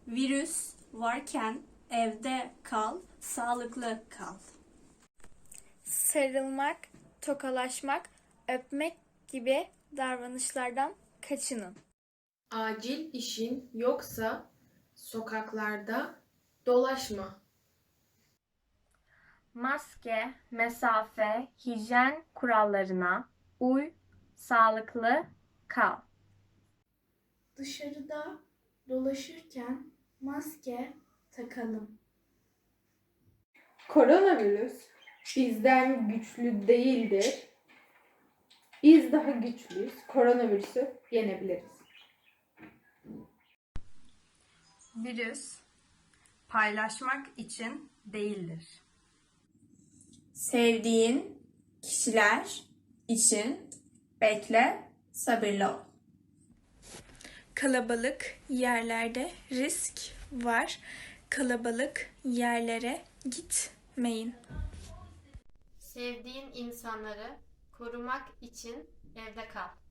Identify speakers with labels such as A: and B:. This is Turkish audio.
A: Virüs varken evde kal, sağlıklı kal.
B: Sarılmak, tokalaşmak, öpmek gibi davranışlardan kaçının.
C: Acil işin yoksa sokaklarda dolaşma.
D: Maske, mesafe, hijyen kurallarına uy, sağlıklı kal.
E: Dışarıda dolaşırken maske takalım.
F: Koronavirüs bizden güçlü değildir. Biz daha güçlüyüz. Koronavirüsü yenebiliriz.
G: Virüs paylaşmak için değildir.
A: Sevdiğin kişiler için bekle, sabırlı ol.
B: Kalabalık yerlerde risk var. Kalabalık yerlere gitmeyin.
H: Sevdiğin insanları korumak için evde kal.